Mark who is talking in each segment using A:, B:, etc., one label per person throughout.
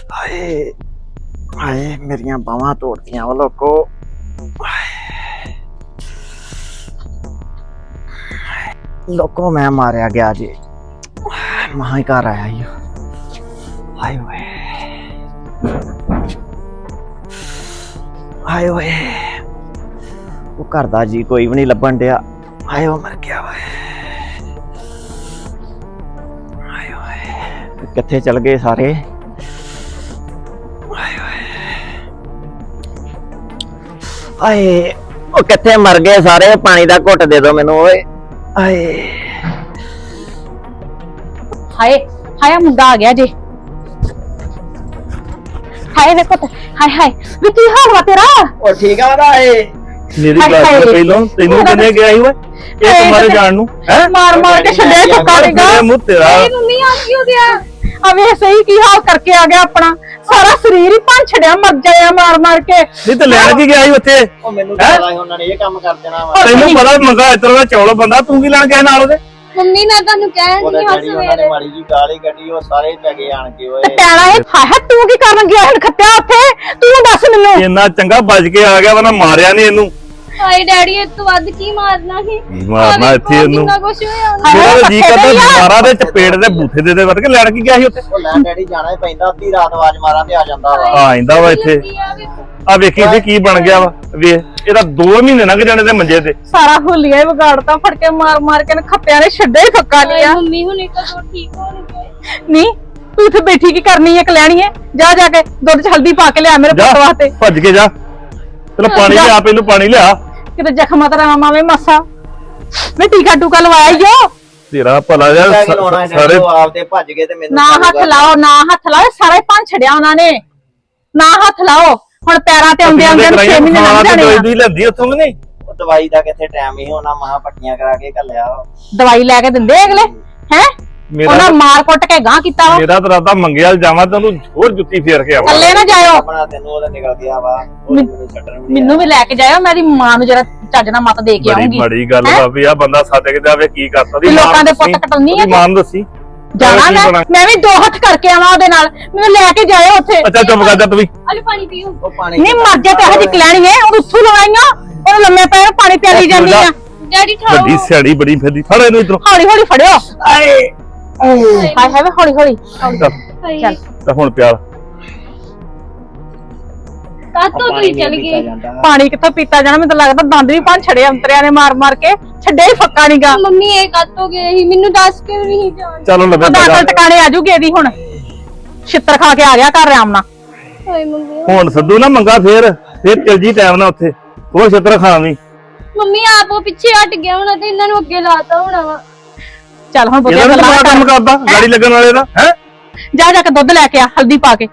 A: ਹਾਏ ਹਾਏ ਮੇਰੀਆਂ ਬਾਹਾਂ ਤੋੜਦੀਆਂ ਵਾ ਲੋਕੋ। ਲੋਕੋ ਮੈਂ ਮਾਰਿਆ ਗਿਆ ਜੀ, ਮਹਾਂ ਹੀ ਘਰ ਆਇਆ ਈ। ਹਾਏ ਓਏ ਹਾਏ ਓਏ, ਉਹ ਘਰ ਦਾ ਜੀ ਕੋਈ ਵੀ ਨਹੀਂ ਲੱਭਣ ਡਿਆ। ਹਾਏ ਉਹ ਮਰ ਗਿਆ ਵਾ। ਹਾਏ ਓਏ ਕਿੱਥੇ ਚਲ ਗਏ ਸਾਰੇ? ਹਾਏ ਉਹ ਕਿੱਥੇ ਮਰ ਗਏ ਸਾਰੇ? ਪਾਣੀ ਦਾ ਘੁੱਟ ਦੇ ਦੋ ਮੈਨੂੰ ਓਏ। ਹਾਏ
B: ਹਾਏ ਹਾਏ ਮੁੰਡਾ ਆ ਗਿਆ ਜੇ। ਹਾਏ ਵੇਖੋ ਹਾਏ ਹਾਏ ਵੀ ਕੀ ਹਾਲ ਵਾ ਤੇਰਾ?
A: ਉਹ ਠੀਕ ਆ ਨਾ? ਏ
C: ਮੇਰੀ ਗੱਲ ਤੋਂ ਪਹਿਲਾਂ ਤੈਨੂੰ ਕਿੰਨੇ ਗਿਆ ਸੀ ਓਏ ਇਹ ਤੁਹਾਡੇ ਜਾਣ ਨੂੰ? ਹੈ
B: ਮਾਰ ਮਾਰ ਕੇ ਛੱਡਿਆ ਟੁੱਕਾ ਦੇਗਾ
C: ਮੂੰਹ ਤੇਰਾ।
B: ਮੰਮੀ ਆ ਕੀ ਹੋ ਗਿਆ? ਆ ਵੇ ਸਹੀ ਕੀ ਹਾਲ ਕਰਕੇ ਆ ਗਿਆ ਆਪਣਾ ਸਾਰਾ ਸਰੀਰ ਹੀ ਭੰਨ ਛੜਿਆ ਮਰ ਜਾਇਆ ਮਾਰ ਮਾਰ ਕੇ।
C: ਨਹੀਂ ਤੇ ਲੈਣ ਕੀ ਗਿਆ ਸੀ ਉੱਥੇ?
A: ਉਹ ਮੈਨੂੰ ਪਤਾ ਸੀ ਉਹਨਾਂ ਨੇ ਇਹ ਕੰਮ ਕਰ ਦੇਣਾ ਵਾ।
C: ਤੈਨੂੰ ਪਤਾ ਮੰਗਾ ਇਤਰ ਦਾ ਚੌਲ ਬੰਦਾ, ਤੂੰ ਕੀ ਲੈਣ ਗਿਆ ਨਾਲ ਉਹਦੇ?
D: ਮੰਮੀ ਮੈਂ ਤੁਹਾਨੂੰ ਕਹਿਣ
A: ਉਹਦਾ
D: ਦੀ
A: ਜਿਹੜੀ ਉਹਨਾਂ ਨੇ ਮਾੜੀ ਜੀ ਗਾਲੀ ਕੱਢੀ ਉਹ ਸਾਰੇ ਪੈ ਗਏ ਆਣ ਕੇ ਓਏ।
B: ਤੇ ਪੈਣਾ ਇਹ ਹਾਏ ਤੂੰ ਕੀ ਕਰਨ ਗਿਆ ਹੁਣ ਖੱਤਿਆ ਉੱਥੇ? ਤੂੰ ਦੱਸ ਮੈਨੂੰ।
C: ਇੰਨਾ ਚੰਗਾ ਬਚ ਕੇ ਆ ਗਿਆ, ਵਰਨਾ ਮਾਰਿਆ ਨਹੀਂ ਇਹਨੂੰ।
D: ਹਾਏ ਡੈਡੀ ਇਸ ਤੋਂ ਵੱਧ ਕੀ ਮਾਰਨਾ ਸੀ?
C: ਮਾਰਨਾ ਇੱਥੇ ਇਹਨੂੰ।
D: ਕਿੰਨਾ ਕੁਛ ਹੋਇਆ ਉਹਨੂੰ।
C: ਮੇਰਾ ਜੀ ਕਰਦਾ ਮਾਰਾ ਦੇ ਚਪੇੜ ਦੇ ਬੂਥੇ ਦੇ ਵੜ ਕੇ ਲੈਣ ਕੀ ਗਿਆ ਸੀ ਉੱਥੇ?
A: ਉਹ ਲੈ ਡੈਡੀ ਜਾਣਾ ਹੀ ਪੈਂਦਾ, ਅੱਧੀ ਰਾਤ ਆਵਾਜ਼ ਮਾਰਾਂ ਤੇ ਆ ਜਾਂਦਾ ਵਾ।
C: ਆ ਆਂਦਾ ਵਾ ਇੱਥੇ। ਆ ਵੇਖੀ ਇੱਥੇ ਕੀ ਬਣ ਗਿਆ ਵਾ। ਵੇਖ ਇਹਦਾ 2 ਮਹੀਨੇ ਲੰਘ ਜਾਣੇ ਤੇ ਮੰਜੇ ਤੇ।
B: ਸਾਰਾ ਹੁਲੀਆ ਹੀ ਵਿਗਾੜਤਾ, ਫੜ ਕੇ ਮਾਰ ਮਾਰ ਕੇ ਖੱਤਿਆਂ ਨੇ ਛੱਡੇ ਹੀ ਫੱਕਾ ਲਿਆ।
D: ਮੰਮੀ ਹੁਣੇ ਕਦੋਂ ਠੀਕ ਹੋਣਗੇ?
B: ਨਹੀਂ ਤੂੰ ਇੱਥੇ ਬੈਠੀ ਕੀ ਕਰਨੀ ਹੈ? ਕਲਿਆਣੀ ਹੈ, ਜਾ ਜਾ ਕੇ ਦੁੱਧ ਚ ਹਲਦੀ ਪਾ ਕੇ ਲਿਆ ਮੇਰੇ ਪੁੱਤ ਵਾਸਤੇ।
C: ਭੱਜ ਕੇ ਜਾ, ਚਲੋ ਪਾਣੀ ਲਿਆ, ਪਹਿਲਾਂ ਪਾਣੀ ਲਿਆ।
B: ਕਿਤੇ ਜ਼ਖਮਾਂ ਤੇ ਆਰਾਮ ਆਵੇ ਮਾਸਾ। ਮੈਂ ਟੀਕਾ ਟੂਕਾ ਲਵਾਇਆ ਈ ਓ।
C: ਤੇਰਾ ਭਲਾ ਯਾਰ ਸਾਰੇ
A: ਆਪ ਤੇ ਭੱਜ ਗਏ ਤੇ ਮੈਨੂੰ
B: ਨਾ ਹੱਥ ਲਾਓ, ਨਾ ਹੱਥ ਲਾਓ, ਸਾਰਾ ਹੀ ਭੰਨ ਛੜਿਆ ਉਹਨਾਂ ਨੇ। ਨਾ ਹੱਥ ਲਾਓ, ਹੁਣ ਪੈਰਾਂ ਤੇ ਆਉਂਦੇ ਆਉਂਦੇ 6 ਮਹੀਨੇ ਲੰਘ ਜਾਣੇ ਆ।
C: ਦਵਾਈ ਲੈਂਦੀ ਉੱਥੋਂ ਕਿ ਨਹੀਂ?
A: ਉਹ ਦਵਾਈ ਦਾ ਕਿੱਥੇ ਟਾਈਮ ਹੀ ਹੋਣਾ, ਮਹਾ ਪੱਟੀਆਂ ਕਰਾ ਕੇ ਘੱਲਿਆ।
B: ਦਵਾਈ ਲੈ ਕੇ ਦਿੰਦੇ ਅਗਲੇ ਹੈ? ਉਹਨਾਂ ਮਾਰ ਕੁੱਟ ਕੇ ਗਾਂ ਕੀਤਾ ਵਾ।
C: ਮੇਰਾ ਤਾਂ ਰਾਤਾ ਮੰਗਿਆ ਜਾਵਾਂ ਤੈਨੂੰ ਹੋਰ ਜੁੱਤੀ ਫੇਰ ਕੇ ਆਵਾਂ।
B: ਥੱਲੇ ਨਾ ਜਾਇਓ।
A: ਆਪਣਾ ਤੈਨੂੰ ਉਹਦਾ ਨਿਕਲ ਗਿਆ ਵਾ, ਉਹ ਮੈਨੂੰ ਛੱਡਣ ਵੀ
B: ਮੈਨੂੰ ਵੀ ਲੈ ਕੇ ਜਾਇਓ, ਮੈਂ ਦੀ ਮਾਂ ਨੂੰ ਜਰਾ ਚੱਜ ਨਾਲ ਮਤ ਦੇ ਕੇ
C: ਬੜੀ
B: ਆਉਂਗੀ।
C: ਬੜੀ ਗੱਲ ਵਾ ਵੀ ਆ ਬੰਦਾ ਸਾਡੇ ਕਿਤੇ ਆਵੇ ਕੀ ਕਰਤਾ ਦੀ
B: ਲੋਕਾਂ ਦੇ ਪੁੱਤ ਕਟਾਉਣੀ ਆ।
C: ਮਾਂ ਨੂੰ ਦੱਸੀ
B: ਜਾਣਾ ਮੈਂ ਵੀ 2 ਹੱਥ ਕਰਕੇ ਆਵਾਂ ਉਹਦੇ ਨਾਲ। ਮੈਨੂੰ ਲੈ ਕੇ ਜਾਇਓ ਉੱਥੇ।
C: ਅੱਛਾ ਚੁੱਪ ਕਰ ਜਾ ਤੂੰ ਵੀ।
D: ਅਲੇ ਪਾਣੀ ਪੀਓ।
A: ਉਹ ਪਾਣੀ
B: ਨਹੀਂ ਮਰ ਜਾ ਤੇ ਇਹੋ ਜਿਹੀ ਕਲੈਣੀ ਹੈ, ਉਹ ਉੱਥੋਂ ਲਵਾਈਆਂ ਉਹਨੂੰ ਲੰਮੇ ਪੈ ਪਾਣੀ ਪਿਆਲੀ ਜਾਂਦੀ ਆ।
D: ਡੈਡੀ ਠਾਓ।
C: ਵੱਡੀ ਸਿਆੜੀ ਬੜੀ ਫਿਰਦੀ, ਫੜ ਇਹਨੂੰ ਇਧਰੋਂ।
B: ਹੌਲੀ ਹੌਲੀ ਫੜਿਓ।
A: ਆਏ
B: ਹਾਏ ਹਾਏ ਹੌਲੀ ਹੌਲੀ।
D: ਚੱਲ
C: ਤਾਂ ਹੁਣ ਪਿਆਲ
D: ਕਾਤੋਂ ਤੁਸੀਂ ਚਲ ਗਏ?
B: ਪਾਣੀ ਕਿੱਥੋਂ ਪੀਤਾ ਜਾਣਾ? ਮੈਨੂੰ ਤਾਂ ਲੱਗਦਾ ਦੰਦ ਵੀ ਭੰਨ ਛੜੇ ਅੰਤਰਿਆਂ ਨੇ ਮਾਰ ਮਾਰ ਕੇ। ਛੱਡੇ ਹੀ ਫੱਕਾ ਨੀਗਾ।
D: ਮੰਮੀ ਇਹ ਕਾਤੋਂ ਗਏ ਸੀ? ਮੈਨੂੰ ਦੱਸ ਕੇ ਵੀ ਨਹੀਂ ਜਾਣ।
C: ਚਲੋ ਲੱਗਾ
B: ਦਾਖਲ ਟਿਕਾਣੇ ਆ ਜੂਗੀ ਇਹਦੀ ਹੁਣ। ਛਿੱਤਰ ਖਾ ਕੇ ਆ ਗਿਆ ਘਰ ਆਰਾਮ ਨਾਲ।
D: ਹਾਏ ਮੰਮੀ
C: ਹੁਣ ਸੱਦੂ ਨਾ ਮੰਗਾ ਫੇਰ ਚਲ ਜੀ ਟਾਈਮ ਨਾਲ ਉੱਥੇ ਉਹ ਛਿੱਤਰ ਖਾਵੀਂ।
D: ਮੰਮੀ ਆਪ ਉਹ ਪਿੱਛੇ ਹਟ ਗਿਆ ਹੋਣਾ ਤੇ ਇਹਨਾਂ ਨੂੰ ਅੱਗੇ ਲਾਤਾ ਹੋਣਾ ਵਾ।
B: ਚੱਲ ਹੁਣ ਬੁੱਢੇ
C: ਇਹਦਾ ਤਾਂ ਕੰਮ ਕਰਦਾ ਗਾੜੀ ਲੱਗਣ ਵਾਲੇ ਦਾ ਹੈ।
B: ਜਾ ਜਾ ਕੇ ਦੁੱਧ ਲੈ ਕੇ ਆ, ਹਲਦੀ ਪਾ ਕੇ।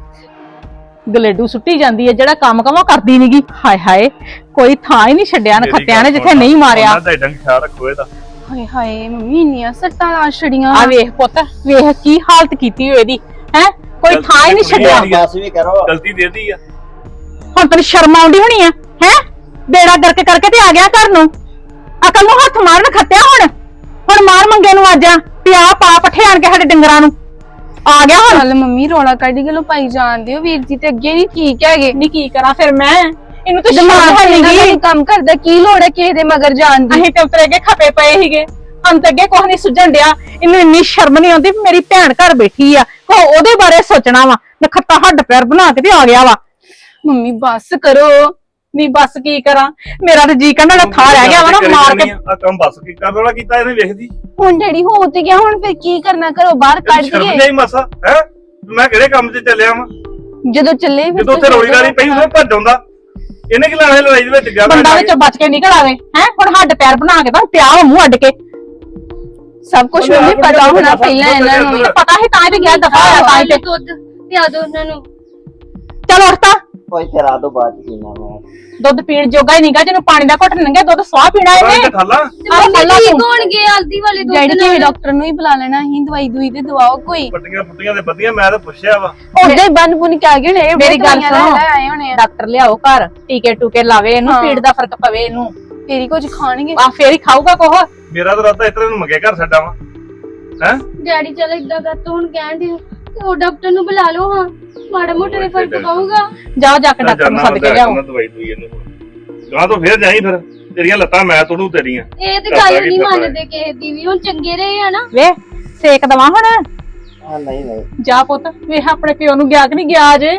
B: ਗਲੇਡੂ ਸੁੱਟੀ ਜਾਂਦੀ ਹੈ, ਜਿਹੜਾ ਕੰਮ ਕਵਾਂ ਕਰਦੀ ਨੀਗੀ। ਹਾਏ ਹਾਏ ਕੋਈ ਥਾਂ ਹੀ ਨਹੀਂ ਛੱਡਿਆ ਨਖੱਤਿਆਂ ਨੇ ਜਿੱਥੇ ਨਹੀਂ ਮਾਰਿਆ।
C: ਉਹਨਾਂ ਦਾ ਖਿਆਲ ਰੱਖੋ ਇਹਦਾ।
D: ਹਾਏ ਹਾਏ ਮੰਮੀ ਇੰਨੀਆਂ ਸੱਟਾਂ ਲਾ ਛੜੀਆਂ।
B: ਆ ਵੇਖ ਪੁੱਤ, ਵੇਖ ਕੀ ਹਾਲਤ ਕੀਤੀ ਹੋਈ ਇਹਦੀ ਹੈ। ਕੋਈ ਥਾਂ ਹੀ ਨਹੀਂ ਛੱਡਿਆ।
A: ਬਸ ਵੀ ਕਰੋ,
C: ਗਲਤੀ ਦੇਦੀ ਆ।
B: ਹੁਣ ਤੈਨੂੰ ਸ਼ਰਮ ਆਉਂਦੀ ਹੋਣੀ ਆ ਹੈ? ਬੇੜਾ ਗਰਕ ਕਰਕੇ ਤੇ ਆ ਗਿਆ ਘਰ ਨੂੰ। ਅਕਲ ਨੂੰ ਹੱਥ ਮਾਰਨ ਖੱਤਿਆ। ਹੁਣ ਮਾਰ ਮੰਗੇ ਨੂੰ ਅੱਜ ਪਿਆ ਪਾ ਪੱਠੇ ਆਣ ਕੇ ਸਾਡੇ ਡੰਗਰਾਂ ਨੂੰ ਆ ਗਿਆ। ਹੁਣ
D: ਚੱਲ ਮੰਮੀ ਰੋਲਾ ਕੱਢ ਕੇ ਲੋ ਪਾਈ ਜਾਣਦੇ ਹੋ। ਵੀਰ ਜੀ ਤੇ ਅੱਗੇ ਨਹੀਂ ਠੀਕ ਹੈਗੇ।
B: ਨਹੀਂ ਕੀ ਕਰਾਂ ਫਿਰ ਮੈਂ? ਇਹਨੂੰ ਤਾਂ
D: ਦਿਮਾਗ
B: ਸ਼ਰਮ
D: ਹੈ
B: ਨਹੀਂ
D: ਨਹੀਂ ਕੰਮ ਕਰਦਾ, ਕੀ ਲੋੜ ਹੈ ਕਿਸੇ ਦੇ ਮਗਰ ਜਾਣ ਦੀ?
B: ਅਸੀਂ ਤੇ ਉਤਰੇ ਕੇ ਖਪੇ ਪਏ ਸੀਗੇ। ਅੰਤ ਅੱਗੇ ਕੁਝ ਨਹੀਂ ਸੁਝਣ ਡਿਆ। ਇਹਨੂੰ ਇੰਨੀ ਸ਼ਰਮ ਨਹੀਂ ਆਉਂਦੀ ਮੇਰੀ ਭੈਣ ਘਰ ਬੈਠੀ ਆ, ਕੋ ਉਹਦੇ ਬਾਰੇ ਸੋਚਣਾ ਵਾ। ਨਖੱਤਾ ਹੱਡ ਪੈਰ ਬਣਾ ਕੇ ਤੇ ਆ ਗਿਆ ਵਾ।
D: ਮੰਮੀ ਬੱਸ ਕਰੋ।
B: ਨਹੀਂ ਬਸ ਕੀ ਕਰਾਂ, ਮੇਰਾ ਤੇ ਜੀ ਕਹਿੰਦਾ ਥਾਂ ਰਹਿ ਗਿਆ ਵਾ ਨਾ ਮਾਰ ਕੇ।
C: ਆ ਕੰਮ ਬਸ ਕੀ ਕਰਨ ਵਾਲਾ ਕੀਤਾ ਇਹਨੇ ਵੇਖਦੀ।
D: ਹੁਣ ਡੈਡੀ ਹੋ ਤੇ ਗਿਆ, ਹੁਣ ਫਿਰ ਕੀ ਕਰਨਾ? ਘਰੋਂ ਬਾਹਰ ਕੱਢ
C: ਸ਼ਰਮ
D: ਦਈਏ।
C: ਨਹੀਂ ਮਸਾ ਹੈ। ਮੈਂ ਕਿਹੜੇ ਕੰਮ 'ਚ ਚੱਲਿਆ ਵਾਂ?
D: ਜਦੋਂ ਚੱਲੇ ਫਿਰ
C: ਜਦੋਂ ਉੱਥੇ ਰੋੜੀ ਗਾਲੀ ਪਈ ਉਹਨੇ ਭੱਜ ਆਉਂਦਾ। ਇਹਨੇ ਕੀ ਲੈਣਾ ਲੜਾਈ ਦੇ ਵਿੱਚ ਗਿਆ?
B: ਬੰਦਾ ਵਿੱਚੋਂ ਬਚ ਕੇ ਨਿਕਲ ਆਵੇ ਹੈ। ਹੁਣ ਹੱਡ ਪੈਰ ਬਣਾ ਕੇ ਤਾਂ ਪਿਆ ਵਾ ਮੂੰਹ ਅੱਡ ਕੇ।
D: ਸਭ ਕੁਝ ਮੰਮੀ ਪਤਾ ਹੋਣਾ ਪਹਿਲਾਂ ਇਹਨਾਂ ਨੂੰ।
B: ਮੈਨੂੰ ਪਤਾ ਸੀ ਤਾਂ ਹੀ ਤੇ ਗਿਆ ਦਫਾ ਹੋਇਆ ਤਾਂ ਹੀ ਤੇ।
D: ਦੁੱਧ ਪਿਆ ਦੋ ਉਹਨਾਂ ਨੂੰ।
B: ਚਲ ਉੱਠ ਤਾਂ।
A: ਕੋਈ ਤੇਰਾ ਤੋਂ ਬਾਅਦ ਪੀਣਾ ਵਾ।
B: ਦੁੱਧ ਪੀਣ ਜੋਗਾ ਹੀ ਨਹੀਂਗਾ, ਜਿਹਨੂੰ ਪਾਣੀ ਦਾ ਘੁੱਟ ਨੰਗੇ ਦੁੱਧ ਸਵਾਹ ਪੀਣਾ ਇਹਨੇ।
C: ਖਾਲਾ
D: ਮੰਮੀ ਠੀਕ ਹੋਣਗੇ ਹਲਦੀ ਵਾਲੇ ਦੁੱਧ
E: ਡੈਡੀ
D: ਨਾਲ।
E: ਕੇ ਡਾਕਟਰ ਨੂੰ ਹੀ ਬੁਲਾ ਲੈਣਾ, ਅਸੀਂ ਦਵਾਈ ਦੂਈ ਤੇ ਦਵਾਓ ਕੋਈ।
C: ਪੱਟੀਆਂ ਪੁੱਟੀਆਂ ਤੇ ਵਧੀਆ, ਮੈਂ ਤਾਂ ਪੁੱਛਿਆ ਵਾ।
E: ਉਹਦੇ ਬੰਨ ਬੁਨ ਕੇ ਆ ਗਏ ਨੇ।
B: ਮੇਰੀ ਗੱਲ ਸੁਣੋ,
E: ਆਏ ਹੋਣੇ ਆ।
B: ਡਾਕਟਰ ਲਿਆਓ ਘਰ, ਟੀਕੇ ਟੂਕੇ ਲਾਵੇ ਇਹਨੂੰ, ਪੀੜ ਦਾ ਫਰਕ ਪਵੇ ਇਹਨੂੰ।
E: ਫੇਰ ਹੀ ਕੁਝ ਖਾਣਗੇ।
B: ਆ ਫੇਰ ਹੀ ਖਾਊਗਾ ਕੋਹ।
C: ਮੇਰਾ ਤਾਂ ਰਾਤਾ ਇਤਰੇ ਨੂੰ ਮੰਗੇ ਘਰ ਛੱਡਾਂ ਵਾ ਹੈ।
D: ਡੈਡੀ ਚਲ ਇਦਾਂ ਕਰ ਤੂੰ ਹੁਣ ਕਹਿਣ ਦੀ ਤੇ ਉਹ ਡਾਕਟਰ ਨੂੰ ਬੁਲਾ ਲਓ ਹਾਂ, ਮਾੜਾ ਮੋਟਾ ਦੇ ਫਰਕ ਪਊਗਾ।
B: ਜਾ ਜਾ ਕੇ ਡਾਕਟਰ ਨੂੰ ਸੱਦ ਕੇ ਲਿਆਓ।
C: ਦਵਾਈ ਦੂਈ ਇਹਨੂੰ ਗਾਂ ਤੋਂ ਫੇਰ ਜਾਈ ਫਿਰ, ਤੇਰੀਆਂ ਲੱਤਾਂ ਮੈਂ ਤੋੜੂ ਤੇਰੀਆਂ।
D: ਇਹ ਤੇ ਗੱਲ ਨਹੀਂ ਮੰਨਦੇ ਕਿਸੇ ਦੀ ਵੀ, ਹੁਣ ਚੰਗੇ ਰਹੇ ਆ ਨਾ।
B: ਵੇ ਸੇਕ ਦਵਾ ਹੁਣ।
A: ਹਾਂ ਨਹੀਂ ਨਹੀਂ
B: ਜਾ ਪੁੱਤ ਵੇਖ ਆਪਣੇ ਪਿਓ ਨੂੰ ਗਿਆ ਕਿ ਨਹੀਂ ਗਿਆ ਅਜੇ।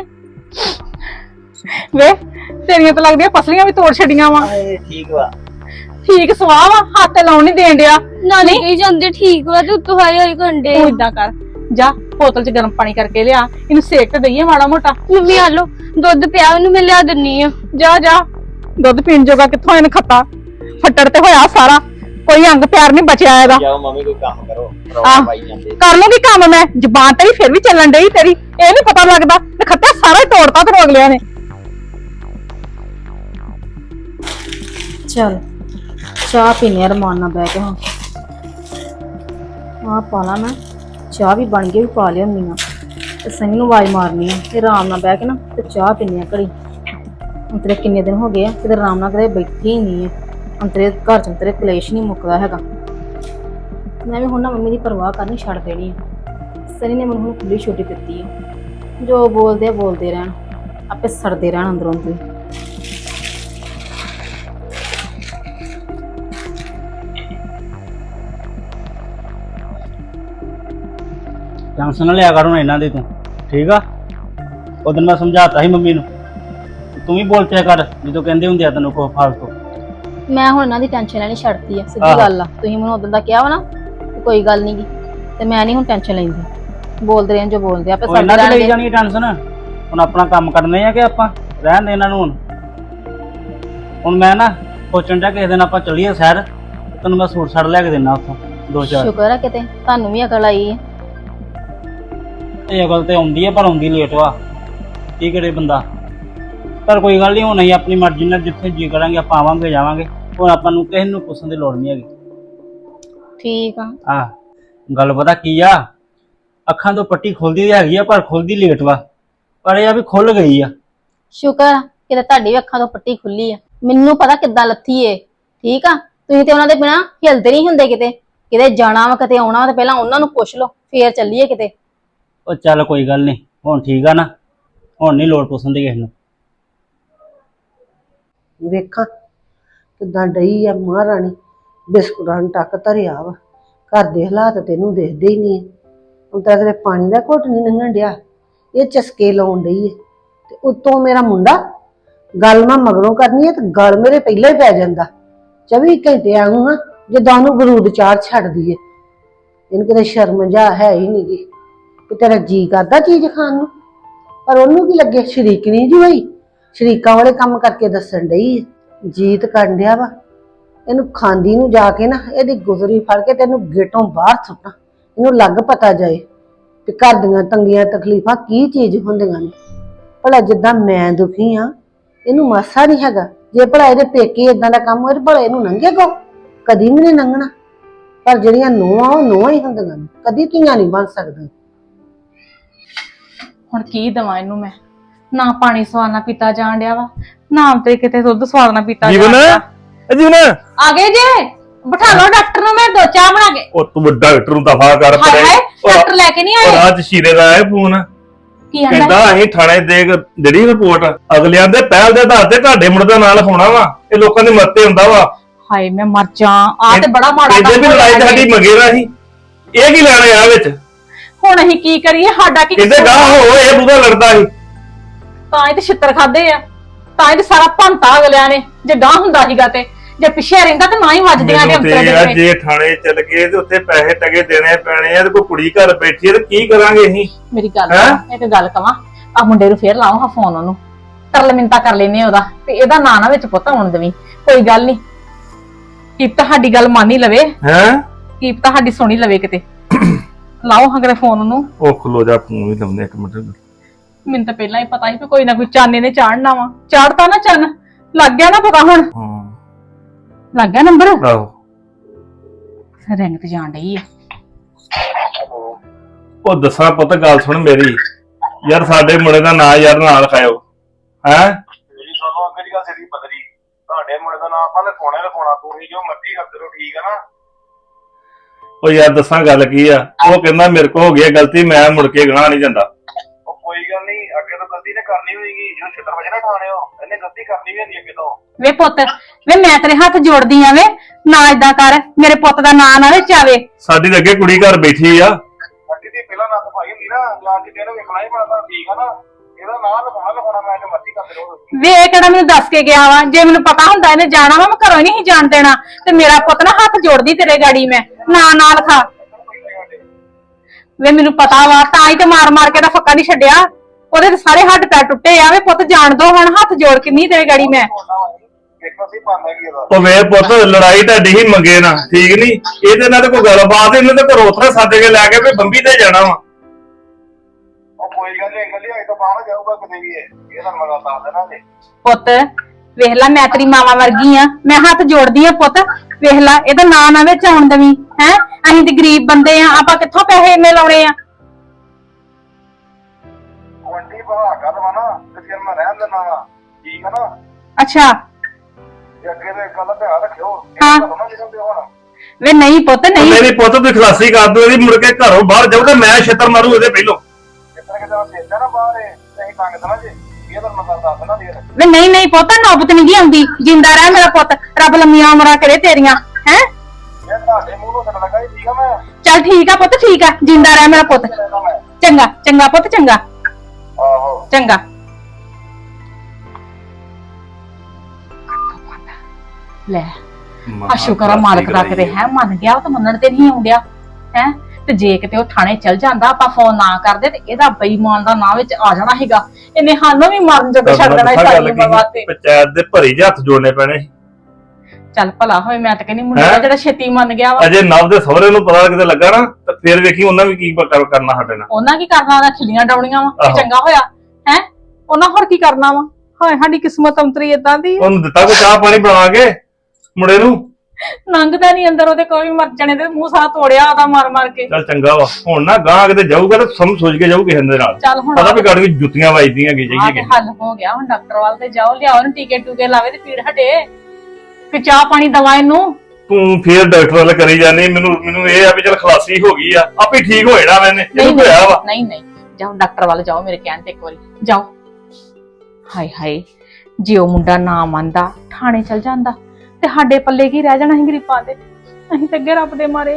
B: ਵੇ ਤੇਰੀਆਂ ਤਾਂ ਲੱਗਦੀਆਂ ਪਸਲੀਆਂ ਵੀ ਤੋੜ ਛੱਡੀਆਂ ਵਾ।
A: ਆਏ ਠੀਕ ਵਾ।
B: ਠੀਕ ਸਵਾਹ ਵਾ, ਹੱਥ ਲਾਉਣ ਨਹੀਂ ਦੇਣ ਡਿਆ।
D: ਨਾਲੇ ਕਹੀ ਜਾਂਦੇ ਠੀਕ ਵਾ ਤੇ ਉੱਤੋਂ ਹਾਏ ਹਾਏ ਘੰਟੇ।
B: ਤੂੰ ਇਦਾਂ ਕਰ, ਜਾ ਬੋਤਲ 'ਚ ਗਰਮ ਪਾਣੀ ਕਰਕੇ ਲਿਆ, ਇਹਨੂੰ ਸੇਕ ਤੇ ਦਈਏ ਮਾੜਾ ਮੋਟਾ।
D: ਮੰਮੀ ਆ ਲੋ ਦੁੱਧ ਪਿਆ, ਉਹਨੂੰ ਮੈਂ ਲਿਆ ਦਿੰਨੀ ਆ।
B: ਜਾ ਜਾ, ਦੁੱਧ ਪੀਣ ਜੋਗਾ ਕਿੱਥੋਂ ਇਹਨੇ ਖੱਤਾ ਫੱਟੜ ਤੇ ਹੋਇਆ ਸਾਰਾ, ਕੋਈ ਅੰਗ ਪਿਆਰ ਨਹੀਂ ਬਚਿਆ ਇਹਦਾ।
A: ਜਾਓ ਮੰਮੀ ਕੋਈ ਕੰਮ ਕਰੋ,
B: ਆਹ।
A: ਰੌਲਾ ਪਾਈ ਜਾਂਦੇ।
B: ਕਰ ਲੂੰਗੀ ਕੰਮ ਮੈਂ, ਜ਼ਬਾਨ ਤੇਰੀ ਫਿਰ ਵੀ ਚੱਲਣ ਡਈ ਤੇਰੀ, ਇਹ ਨਹੀਂ ਪਤਾ ਲੱਗਦਾ ਤੇ ਖੱਤਾ ਸਾਰਾ ਹੀ ਤੋੜਤਾ ਤੇ ਅਗਲਿਆਂ ਨੇ।
F: ਚੱਲ ਚਾਹ ਪੀਨੇ ਰਮਾਨ ਨਾਲ ਬਹਿ ਕੇ ਹੁਣ। ਆਹ ਪਾ ਲਾ ਮੈਂ, ਚਾਹ ਵੀ ਬਣ ਗਈ, ਵੀ ਪਾ ਲਿਆਉਂਦੀ ਆ ਤੇ ਸੰਨੀ ਨੂੰ ਆਵਾਜ਼ ਮਾਰਨੀ ਆ ਤੇ ਆਰਾਮ ਨਾਲ ਬਹਿ ਕੇ ਨਾ ਤੇ ਚਾਹ ਪੀਨੇ ਆ ਘੜੀ। ਹੁਣ ਤੇਰੇ ਕਿੰਨੇ ਦਿਨ ਹੋ ਗਏ ਆ ਕਿਤੇ ਆਰਾਮ ਨਾਲ ਕਦੇ ਬੈਠੀ ਹੀ ਨਹੀਂ ਹੈ। ਹੁਣ ਤੇਰੇ ਘਰ ਚ ਤੇਰੇ ਕਲੇਸ਼ ਨਹੀਂ ਮੁੱਕਦਾ ਹੈਗਾ। ਮੈਂ ਵੀ ਹੁਣ ਨਾ ਮੰਮੀ ਦੀ ਪਰਵਾਹ ਕਰਨੀ ਛੱਡ ਦੇਣੀ ਆ। ਸੰਨੀ ਨੇ ਮੈਨੂੰ ਹੁਣ ਖੁੱਲੀ ਛੁੱਟੀ ਦਿੱਤੀ ਆ, ਜੋ ਬੋਲਦੇ ਆ ਬੋਲਦੇ ਰਹਿਣ, ਆਪੇ ਸੜਦੇ ਰਹਿਣ ਅੰਦਰੋਂ ਅੰਦਰ।
G: ਟੈਨਸ਼ਨ ਨਾ ਲਿਆ ਕਰ ਹੁਣ ਇਹਨਾਂ ਦੀ ਤੂੰ, ਠੀਕ ਆ। ਉਦੋਂ ਮੈਂ ਸਮਝਾਤਾ ਸੀ ਮੰਮੀ ਨੂੰ, ਤੂੰ ਵੀ ਬੋਲ ਪਿਆ ਕਰ ਜਦੋਂ ਕਹਿੰਦੇ ਹੁੰਦੇ ਆ ਤੈਨੂੰ ਕੋ ਫਾਲਤੂ।
F: ਮੈਂ ਹੁਣ ਇਹਨਾਂ ਦੀ ਟੈਨਸ਼ਨ ਲੈਣੀ ਛੱਡਤੀ ਆ, ਸਿੱਧੀ
G: ਆਹੋ।
F: ਗੱਲ ਆ। ਤੁਸੀਂ ਮੈਨੂੰ ਉਦੋਂ ਦਾ ਕਿਹਾ ਵਾ ਨਾ ਕਿ ਕੋਈ ਗੱਲ ਨਹੀਂ ਗੀ, ਤੇ ਮੈਂ ਨਹੀਂ ਹੁਣ ਟੈਨਸ਼ਨ ਲੈਂਦੀ। ਬੋਲਦੇ ਰਹਿਣ ਜੋ ਬੋਲਦੇ ਆ, ਆਪੇ
G: ਉਹ ਇਹਨਾਂ
F: ਸਾਡੇ
G: ਦੀ ਲਈ
F: ਰਹਿਣਗੇ।
G: ਜਾਣੀ ਟੈਨਸ਼ਨ, ਹੁਣ ਆਪਣਾ ਕੰਮ ਕਰਨੇ ਆ ਕਿ ਆਪਾਂ ਰਹਿਣ ਦੇ ਇਹਨਾਂ ਨੂੰ। ਹੁਣ ਮੈਂ ਨਾ ਸੋਚਣ ਡਿਆ ਕਿਸੇ ਦਿਨ ਆਪਾਂ ਚੱਲੀਏ ਸ਼ਹਿਰ, ਤੈਨੂੰ ਮੈਂ ਸੂਟ ਸਾੜ ਲੈ ਕੇ ਦੇਣਾ ਉੱਥੋਂ 2-4।
F: ਸ਼ੁਕਰ ਆ ਕਿਤੇ ਤੁਹਾਨੂੰ ਵੀ ਅਕਲ ਆਈ ਹੈ।
G: ਇਹ ਅਕਲ ਤੇ ਆਉਂਦੀ ਹੈ ਪਰ ਆਉਂਦੀ ਲੇਟ ਵਾ, ਕੀ ਕਰੇ ਬੰਦਾ। ਪਰ ਕੋਈ ਗੱਲ ਨਹੀਂ, ਹੁਣ ਅਸੀਂ ਆਪਣੀ ਮਰਜ਼ੀ ਨਾਲ ਜਿੱਥੇ ਜੀ ਕਰਾਂਗੇ ਆਪਾਂ ਆਵਾਂਗੇ ਜਾਵਾਂਗੇ। ਹੁਣ ਆਪਾਂ ਨੂੰ ਕਿਸੇ ਨੂੰ ਪੁੱਛਣ ਦੀ ਲੋੜ ਨਹੀਂ ਹੈਗੀ।
F: ਠੀਕ ਆ।
G: ਆਹ ਗੱਲ ਪਤਾ ਕੀ ਆ, ਅੱਖਾਂ ਤੋਂ ਪੱਟੀ ਖੁੱਲਦੀ ਹੈਗੀ ਆ ਪਰ ਖੁੱਲਦੀ ਲੇਟ ਵਾ, ਪਰ ਇਹ ਆ ਵੀ ਖੁੱਲ ਗਈ ਆ।
F: ਸ਼ੁਕਰ ਆ ਕਿਤੇ ਤੁਹਾਡੀ ਵੀ ਅੱਖਾਂ ਤੋਂ ਪੱਟੀ ਖੁੱਲੀ ਆ। ਮੈਨੂੰ ਪਤਾ ਕਿੱਦਾਂ ਲੱਥੀ ਏ, ਠੀਕ ਆ। ਤੁਸੀਂ ਤੇ ਉਹਨਾਂ ਦੇ ਬਿਨਾ ਹਿਲਦੇ ਨਹੀਂ ਹੁੰਦੇ, ਕਿਤੇ ਕਿਤੇ ਜਾਣਾ ਵਾ ਕਿਤੇ ਆਉਣਾ ਵਾ ਤੇ ਪਹਿਲਾਂ ਉਹਨਾਂ ਨੂੰ ਪੁੱਛ ਲਓ ਫੇਰ ਚੱਲੀਏ ਕਿਤੇ।
G: ਉਹ ਚੱਲ ਕੋਈ ਗੱਲ ਨਹੀਂ, ਹੁਣ ਠੀਕ ਆ ਨਾ, ਹੁਣ ਨਹੀਂ ਲੋੜ ਪੁੱਛਣ ਦੀ ਕਿਸੇ ਨੂੰ।
H: ਵੇਖਾਂ ਕਿੱਦਾਂ ਡਈ ਆ ਮਹਾਰਾਣੀ, ਬਿਸਕੁਟਾਂ ਨੂੰ ਟੱਕ ਧਰਿਆ ਵਾ। ਘਰ ਦੇ ਹਾਲਾਤ ਤੈਨੂੰ ਦੇਖਦੇ ਹੀ ਨਹੀਂ। ਹੁਣ ਤਾਂ ਕਿਤੇ ਪਾਣੀ ਦਾ ਘੁੱਟ ਨਹੀਂ ਲੰਘਣ ਡਿਆ, ਇਹ ਚਸਕੇ ਲਾਉਣ ਡਈ ਹੈ। ਤੇ ਉੱਤੋਂ ਮੇਰਾ ਮੁੰਡਾ, ਗੱਲ ਮੈਂ ਮਗਰੋਂ ਕਰਨੀ ਹੈ ਤੇ ਗੱਲ ਮੇਰੇ ਪਹਿਲਾਂ ਹੀ ਪੈ ਜਾਂਦਾ। 24 ਘੰਟੇ ਆਉਂ ਹਾਂ ਜਿੱਦਾਂ ਉਹਨੂੰ ਬਰੂਦ ਚਾਰ ਛੱਡਦੀ ਏ। ਇਹਨੂੰ ਕਿਤੇ ਸ਼ਰਮ ਜਾ ਹੈ ਹੀ ਨਹੀਂ ਗੀ ਕਿ ਤੇਰਾ ਜੀ ਕਰਦਾ ਚੀਜ਼ ਖਾਣ ਨੂੰ, ਪਰ ਉਹਨੂੰ ਕੀ ਲੱਗੇ ਸ਼ਰੀਕ ਨਹੀਂ ਜੀ ਹੋਈ, ਸ਼ਰੀਕਾਂ ਵਾਲੇ ਕੰਮ ਕਰਕੇ ਦੱਸਣ ਡਈ ਹੈ। ਜੀਤ ਕਰਨ ਡਿਆ ਵਾ, ਇਹਨੂੰ ਖਾਂਦੀ ਨੂੰ ਜਾ ਕੇ ਨਾ ਇਹਦੀ ਗੁਜ਼ਰੀ ਫੜ ਕੇ ਤੈਨੂੰ ਗੇਟੋਂ ਬਾਹਰ ਸੁੱਟਾਂ, ਇਹਨੂੰ ਲੱਗ ਪਤਾ ਜਾਏ ਕਿ ਘਰ ਦੀਆਂ ਤੰਗੀਆਂ ਤਕਲੀਫਾਂ ਕੀ ਚੀਜ਼ ਹੁੰਦੀਆਂ ਨੇ। ਭਲਾ ਜਿੱਦਾਂ ਮੈਂ ਦੁਖੀ ਆ, ਇਹਨੂੰ ਮਾਸਾ ਨਹੀਂ ਹੈਗਾ। ਜੇ ਭਲਾ ਇਹਦੇ ਪੇਕੇ ਇਦਾਂ ਦਾ ਕੰਮ ਹੋਏ ਭਲਾ ਇਹਨੂੰ ਲੰਘੇ ਕੋ, ਕਦੀ ਵੀ ਨਹੀਂ ਲੰਘਣਾ। ਪਰ ਜਿਹੜੀਆਂ ਨੂੰਹਾਂ ਉਹ ਨੂੰਹਾਂ ਹੀ ਹੁੰਦੀਆਂ ਨੇ, ਕਦੀ ਧੀਆਂ ਨਹੀਂ ਬਣ ਸਕਦੀਆਂ।
B: ਹੁਣ ਕੀ ਦਵਾਂ ਇਹਨੂੰ ਮੈਂ, ਨਾ ਪਾਣੀ ਸਵਾਦ ਨਾਲ ਪੀਤਾ ਜਾਣ ਡਿਆ ਵਾ, ਨਾ ਤੇ ਕਿਤੇ ਦੁੱਧ ਸਵਾਦ ਨਾਲ ਪੀਤਾ ਜਾਣ
C: ਜੀਵਨ
B: ਡਿਆ।
C: ਜੀਵਨ
B: ਆ ਗਏ ਜੇ, ਬਿਠਾ ਲਓ ਡਾਕਟਰ ਨੂੰ, ਮੈਂ ਦੋ ਚਾਹ ਬਣਾ ਕੇ।
C: ਉਹ ਤੂੰ ਡਾਕਟਰ ਨੂੰ ਦਫਾ ਕਰ
B: ਹਾਏ ਹਾਏ, ਡਾਕਟਰ ਲੈ ਕੇ ਨਹੀਂ
C: ਉਹ
B: ਆਏ।
C: ਰਾਜ ਸ਼ੀਰੇ ਦਾ ਆਇਆ ਫੋਨ,
B: ਕੀ ਆਂਦਾ?
C: ਕਹਿੰਦਾ ਅਸੀਂ ਥਾਣੇ ਦੇ ਜਿਹੜੀ ਰਿਪੋਰਟ ਅਗਲਿਆਂ ਦੇ ਪਹਿਲ ਦੇ ਆਧਾਰ ਤੇ ਤੁਹਾਡੇ ਮੁੰਡੇ ਦਾ ਨਾਂ ਲਿਖਾਉਣਾ ਵਾ। ਇਹ ਲੋਕਾਂ ਦੇ ਮੱਤੇ ਹੁੰਦਾ ਵਾ।
B: ਹਾਏ ਮੈਂ ਮਰ ਜਾ, ਆ ਤੇ ਬੜਾ ਮਾੜਾ
C: ਇਹਦੇ ਵੀ
B: ਕੰਮ
C: ਲੜਾਈ
B: ਹੋਇਆ
C: ਸਾਡੀ
B: ਜੀ।
C: ਮੰਗੇ ਨਾ ਸੀ, ਇਹ ਕੀ ਲੈਣਾ ਆ ਵਿੱਚ।
B: ਹੁਣ ਅਸੀਂ ਕੀ ਕਰੀਏ, ਸਾਡਾ ਕੀ
C: ਕਹਿੰਦੇ
B: ਕਸੂਰ
C: ਗਾਹ
B: ਆ?
C: ਹੋ ਇਹ ਬੁੱਧਾ ਲੜਦਾ ਸੀ।
B: ਤਾਂ ਇਹ ਤੇ ਛਿੱਤਰ ਖਾਦੇ ਆ, ਤਾਂ ਇਹ ਤੇ ਸਾਰਾ ਭੰਤਾ ਅਗਲਿਆਂ ਨੇ। ਜੇ ਗਾਹ ਹੁੰਦਾ ਸੀਗਾ ਤੇ ਜੇ ਪਿੱਛੇ ਰਹਿੰਦਾ ਤਾਂ ਨਾ ਹੀ ਵੱਜਦੀਆਂ ਨੇ
C: ਮੈਨੂੰ
B: ਅੰਤਰੇ
C: ਤੇ
B: ਦੇ
C: ਯਾਰ
B: ਵਿੱਚ।
C: ਜੇ ਥਾਣੇ ਚੱਲ ਗਏ ਤੇ ਉੱਥੇ ਪੈਸੇ ਟਗੇ ਦੇਣੇ ਪੈਣੇ ਆ ਤੇ ਕੋਈ ਕੁੜੀ ਘਰ ਬੈਠੀ ਹੈ ਤੇ ਕੀ ਕਰਾਂਗੇ ਅਸੀਂ।
B: ਮੇਰੀ ਗੱਲ
C: ਹੈਂ?
B: ਸੁਣ, ਇੱਕ ਗੱਲ ਕਵਾਂ, ਆ ਮੁੰਡੇ ਨੂੰ ਫੇਰ ਲਾਓ ਹਾਂ ਫੋਨ, ਉਹਨੂੰ ਤਰਲ ਮਿੰਤਾ ਕਰ ਲੈਨੇ ਉਹਦਾ, ਤੇ ਇਹਦਾ ਨਾਂ ਨਾ ਵਿੱਚ ਪੁੱਤ ਆਉਣ ਦੇਵੀਂ। ਕੋਈ ਗੱਲ ਨਹੀਂ, ਕੀਪ ਤੁਹਾਡੀ ਗੱਲ ਮੰਨ ਹੀ ਲਵੇ,
C: ਹੈਂ
B: ਕੀਪ ਤੁਹਾਡੀ ਸੁਣੀ ਲਵੇ ਕਿਤੇ। ਲਾਓ ਹਾਂ ਕਿਤੇ ਫੋਨ ਉਹਨੂੰ।
C: ਉਹ ਖਲੋ ਜਾ, ਫੋਨ ਵੀ ਲਾਉਂਦੇ ਇੱਕ ਮਿੰਟ।
B: ਮੈਨੂੰ ਤਾਂ ਪਹਿਲਾਂ ਹੀ ਪਤਾ ਸੀ ਕਿ ਕੋਈ ਨਾ ਕੋਈ ਚਾਨੇ ਨੇ ਚਾੜਨਾ ਵਾ। ਚਾੜਤਾ ਨਾ ਚੰਨ, ਲੱਗ ਗਿਆ ਨਾ ਪਤਾ ਹੁਣ,
C: ਹਾਂ
B: ਲੱਗ ਗਿਆ ਨੰਬਰ।
C: ਆਹੋ
B: ਰਿੰਗ ਤੇ ਜਾਣ ਡਈ ਆ।
C: ਉਹ ਦੱਸਾਂ ਪੁੱਤ ਗੱਲ ਸੁਣ ਮੇਰੀ, ਯਾਰ ਸਾਡੇ ਮੁੰਡੇ ਦਾ ਨਾਂ ਯਾਰ ਨਾਲ ਲਿਖਾਇਓ। ਹੈਂ
I: ਮੇਰੀ ਸੁਣੋ, ਅੱਗੇ ਦੀ ਗੱਲ ਸਿੱਧੀ ਪੱਧਰੀ, ਤੁਹਾਡੇ ਮੁੰਡੇ ਦਾ ਨਾਂ ਆਪਾਂ ਲਿਖਾਉਣਾ, ਤੂੰ ਹੀ ਜੋ ਮਰਜ਼ੀ ਕਰ ਦਿਓ, ਠੀਕ ਆ ਨਾ।
C: ਉਹ ਯਾਰ ਦੱਸਾਂ ਗੱਲ ਕੀ ਆ, ਉਹ ਕਹਿੰਦਾ ਮੇਰੇ ਕੋ ਹੋ ਗਈ ਗਲਤੀ, ਮੈਂ ਮੁੜ ਕੇ ਗਾਹ ਨਹੀਂ ਜਾਂਦਾ।
I: ਉਹ ਕੋਈ ਗੱਲ ਨਹੀਂ, ਅੱਗੇ ਤੋਂ ਗਲਤੀ ਨੇ ਕਰਨੀ ਹੋਏਗੀ, ਜੋ ਛਿੱਤਰ ਵਜੇ ਨਾ ਖਾਣੇ ਹੋ, ਇਹਨੇ ਗਲਤੀ ਕਰਨੀ ਵੀ ਹੁੰਦੀ ਅੱਗੇ ਤੋਂ।
B: ਵੇ ਪੁੱਤ, ਵੇ ਮੈਂ ਤੇਰੇ ਹੱਥ ਜੋੜਦੀ ਆ, ਵੇ ਨਾ ਏਦਾਂ ਕਰ, ਮੇਰੇ ਪੁੱਤ ਦਾ ਨਾਂ ਨਾ ਵਿੱਚ ਆਵੇ।
C: ਸਾਡੀ ਤਾਂ ਅੱਗੇ ਕੁੜੀ ਘਰ ਬੈਠੀ ਆ।
I: ਅੱਗੇ ਦੀ ਪਹਿਲਾਂ ਨਾ ਸਫਾਈ ਹੁੰਦੀ ਨਾ, ਜਾਂ ਕਿ ਤੈਨੂੰ ਵੇਖਣਾ ਹੀ ਪੈਣਾ, ਠੀਕ ਆ ਨਾ। ਇਹਦਾ ਨਾਂ ਲਿਖਾਉਣਾ ਮੈਂ ਤੇ ਮਰਜ਼ੀ ਕਰਦੇ ਰਹੋ।
B: ਵੇ ਇਹ ਕਿਹੜਾ ਮੈਨੂੰ ਦੱਸ ਕੇ ਗਿਆ ਵਾ? ਜੇ ਮੈਨੂੰ ਪਤਾ ਹੁੰਦਾ ਇਹਨੇ ਜਾਣਾ ਵਾ, ਮੈਂ ਘਰੋਂ ਹੀ ਨਹੀਂ ਜਾਣ ਦੇਣਾ। ਤੇ ਮੇਰਾ ਪੁੱਤ ਨਾ ਹੱਥ ਜੋੜਦੀ ਤੇਰੇ ਗਾੜੀ, ਮੈਂ ਨਾ ਲਿਖਾ। ਵੇ ਮੈਨੂੰ ਪਤਾ ਵਾ, ਤਾਂ ਹੀ ਤੇ ਮਾਰ ਮਾਰ ਕੇ ਦਾ ਫੱਕਾ ਨਹੀਂ ਛੱਡਿਆ, ਉਹਦੇ ਤੇ ਸਾਰੇ ਹੱਡ ਪੈਰ ਟੁੱਟੇ ਆ। ਵੇ ਪੁੱਤ ਜਾਣ ਦੋ ਹੁਣ, ਹੱਥ ਜੋੜ ਕੇ ਨਹੀਂ ਤੇਰੇ ਗਾੜੀ ਮੈਂ।
I: ਦੇਖੋ ਸੀ ਪਾਣਾ ਕੀ ਇਹਦਾ।
C: ਉਹ ਵੇ ਪੁੱਤ, ਲੜਾਈ ਤੁਹਾਡੀ ਹੀ ਮੰਗੇ ਨਾ, ਠੀਕ ਨਹੀਂ? ਇਹਦੇ ਨਾਲ ਤੇ ਕੋਈ ਗੱਲਬਾਤ, ਇਹਨੇ ਤੇ ਘਰੋਂ ਉਤਰਾ ਸੱਦ ਕੇ ਲੈ ਕੇ ਵੀ ਬੰਬੀ ਤੇ ਜਾਣਾ ਵਾ।
I: ਉਹ ਕੋਈ ਗੱਲ ਨਹੀਂ, ਅੰਕਲ ਜੀ ਅਜੇ ਤਾਂ ਬਾਹਰ ਜਾਊਗਾ ਕਿਤੇ ਵੀ ਇਹ ਤਾਂ ਮੈਂ ਗੱਲ ਦੱਸ ਦੇਣਾ ਜੀ।
B: ਪੁੱਤ ਵੇਖ ਲੈ, ਮੈਂ ਤੇਰੀ ਮਾਵਾ ਵਰਗੀ ਆ, ਮੈਂ ਹੱਥ ਜੋੜਦੀ ਆ ਪੁੱਤ। ਵੇਖ ਲੈ, ਇਹਦਾ ਨਾਂ ਨਾ ਵਿੱਚ ਆਉਣ ਦੇਵੀਂ ਹੈ। ਅਸੀਂ ਤੇ ਗਰੀਬ ਬੰਦੇ ਆ, ਆਪਾਂ ਕਿੱਥੋਂ ਪੈਸੇ ਇੰਨੇ ਲਾਉਣੇ ਆ?
I: ਵੰਡੀ ਬਹਾ ਕਰ ਵਾ ਨਾ, ਤੇ ਫਿਰ ਮੈਂ ਰਹਿਣ ਦਿੰਦਾ ਵਾ, ਠੀਕ ਆ ਨਾ।
B: ਅੱਛਾ
I: ਤੇ ਅੱਗੇ ਦੇ ਗੱਲ ਦਾ ਧਿਆਨ ਰੱਖਿਓ,
B: ਹਾਂ।
I: ਇਹ ਤਾਂ ਨਾ ਜਿਸਮ ਤੇ ਹੁਣ
B: ਵੇ ਨਹੀਂ ਪੁੱਤ, ਨਹੀਂ।
C: ਮੇਰੀ ਪੁੱਤ ਦੀ ਖਲਾਸੀ ਕਰ ਦੋ, ਇਹਦੀ ਮੁੜ ਕੇ ਘਰੋਂ ਬਾਹਰ ਜਾਊ ਤੇ ਮੈਂ ਛਿੱਤਰ ਮਾਰੂ ਇਹਦੇ ਪਹਿਲੋਂ।
I: ਜਿੱਦਾਂ ਕਿ ਜਦੋਂ ਸੇਜਾ ਨਾ ਬਾਹਰ ਹੈ ਤੇ ਅਸੀਂ ਤੰਗ ਦੇਣਾ ਜੀ, ਇਹ ਤਾਂ ਮੈਂ ਦੱਸ ਦੇਣਾ ਜੀ।
B: ਵੇ ਨਹੀਂ ਪੁੱਤ, ਨੌਬਤ ਨਹੀਂ ਗੀ ਆਉਂਦੀ। ਜਿੰਦਾ ਰਹਿ ਮੇਰਾ ਪੁੱਤ, ਰੱਬ ਲੰਮੀਆਂ ਉਮਰਾਂ ਕਰੇ ਤੇਰੀਆਂ ਹੈ।
I: ਇਹ ਤੁਹਾਡੇ ਮੂੰਹ ਨੂੰ ਸੱਟ ਲੱਗਾ ਜੀ, ਠੀਕ ਆ। ਮੈਂ
B: ਚੱਲ ਠੀਕ ਆ ਪੁੱਤ, ਠੀਕ ਆ, ਜਿੰਦਾ ਰਹਿ ਮੇਰਾ ਪੁੱਤ।
I: ਰਹਿਣਾ ਮੈਂ।
B: ਚੰਗਾ ਚੰਗਾ ਪੁੱਤ, ਚੰਗਾ
I: ਆਹੋ
B: ਚੰਗਾ। ਲੈ ਆ ਸ਼ੁਕਰ ਆ ਮਾਲਕ ਦਾ, ਕਿਤੇ ਹੈ ਮੰਨ ਗਿਆ। ਉਹ ਤਾਂ ਮੰਨਣ ਤੇ ਨਹੀਂ ਆਉਂਦਿਆ ਹੈ। ਤੇ ਜੇ ਕਿਤੇ ਉਹ ਥਾਣੇ ਚਲ ਜਾਂਦਾ, ਆਪਾਂ ਫੋਨ ਨਾ ਕਰਦੇ, ਤੇ ਇਹਦਾ ਬੇਈਮਾਨ ਦਾ ਨਾਂ ਵਿੱਚ ਆ ਜਾਣਾ ਹੈਗਾ। ਇਹਨੇ ਸਾਨੂੰ ਵੀ ਮਾਰਨ ਜੋਗ ਛੱਡ ਦੇਣਾ ਸੀ ਸਾਰੀ ਉਮਰ ਵਾਸਤੇ।
C: ਪੰਚਾਇਤ ਦੇ ਭਰੀ ਜਿਹੇ ਹੱਥ ਜੋੜਨੇ ਪੈਣੇ ਸੀ।
B: ਚੱਲ ਭਲਾ ਹੋਵੇ, ਮੈਂ ਤਾਂ ਕਹਿੰਦੀ ਮੁੰਡਾ ਜਿਹੜਾ ਛੇਤੀ ਮੰਨ ਗਿਆ ਵਾ।
C: ਅਜੇ ਨਵ ਦੇ ਸਹੁਰੇ ਨੂੰ ਪਤਾ ਕਿਤੇ ਲੱਗਾ ਨਾ, ਤਾਂ ਫੇਰ ਵੇਖੀ ਉਹਨਾਂ ਵੀ ਕੀ ਕਰਨਾ ਸਾਡੇ ਨਾਲ।
B: ਉਹਨਾਂ ਕੀ ਕਰਨਾ, ਉਹਨਾਂ ਖਿੱਲੀਆਂ ਡਾਉਣੀਆਂ ਵਾ।
C: ਆਹੋ।
B: ਚੰਗਾ ਹੋਇਆ ਹੈ, ਉਹਨਾਂ ਹੋਰ ਕੀ ਕਰਨਾ ਵਾ। ਹਾਏ ਸਾਡੀ ਕਿਸਮਤ ਅੰਤਰੀ ਏਦਾਂ ਦੀ।
C: ਉਹਨੂੰ ਦਿੱਤਾ ਕੋਈ ਚਾਹ ਪਾਣੀ ਬਣਾ ਕੇ ਮੁੰਡੇ ਨੂੰ,
B: ਲੰਘਦਾ ਨਹੀਂ ਅੰਦਰ, ਉਹਦੇ ਕੋਈ ਮਰ ਜਾਣੇ ਦੇ ਮੂੰਹ ਸਾਰਾ ਤੋੜਿਆ ਉਹਦਾ ਮਾਰ ਮਾਰ ਕੇ।
C: ਚੱਲ ਚੰਗਾ ਵਾ। ਹੁਣ ਨਾ ਗਾਂ ਕਿਤੇ ਜਾਊਗਾ ਤਾਂ ਸਮਝ ਸੋਚ ਕੇ ਜਾਊ ਕਿਸੇ ਦੇ ਨਾਲ।
B: ਚੱਲ ਹੁਣ
C: ਪਤਾ ਵੀ ਗੜ ਕੇ ਜੁੱਤੀਆਂ ਵੱਜਦੀਆਂ ਕੀ
B: ਆਹ ਤੇ
C: ਜਾਈਏ।
B: ਹੱਲ ਹੋ ਗਿਆ, ਹੁਣ ਡਾਕਟਰ ਵੱਲ ਤੇ ਜਾਓ, ਲਿਆਓ ਇਹਨੂੰ ਟੀਕੇ ਟੂਕੇ ਲਾਵੇ ਤੇ ਪੀੜ ਹਟੇ, ਕਿ ਚਾਹ ਪਾਣੀ ਦਵਾ ਇਹਨੂੰ।
C: ਤੂੰ ਫੇਰ ਡਾਕਟਰ ਵੱਲ ਕਰੀ ਜਾਂਦੀ, ਮੈਨੂੰ ਇਹ ਆ ਵੀ ਚੱਲ ਖਲਾਸੀ ਹੋ ਗਈ ਆ, ਆਪੇ ਠੀਕ ਹੋ ਜਾਣਾ ਮੈਨੇ। ਇਹਨੂੰ ਹੋਇਆ ਵਾ।
B: ਨਹੀਂ ਜਾਓ ਡਾਕਟਰ ਵੱਲ ਜਾਓ, ਮੇਰੇ ਕਹਿਣ ਤੇ ਇੱਕ ਵਾਰੀ ਜਾਓ। ਹਾਏ ਜੇ ਉਹ ਮੁੰਡਾ ਨਾ ਮੰਨਦਾ, ਥਾਣੇ ਚਲ ਜਾਂਦਾ, ਤੇ ਸਾਡੇ ਪੱਲੇ ਕੀ ਰਹਿ ਜਾਣਾ ਸੀ ਗਰੀਬਾਂ ਦੇ। ਅਸੀਂ ਤੇ ਅੱਗੇ ਰੱਬ ਦੇ ਮਾਰੇ।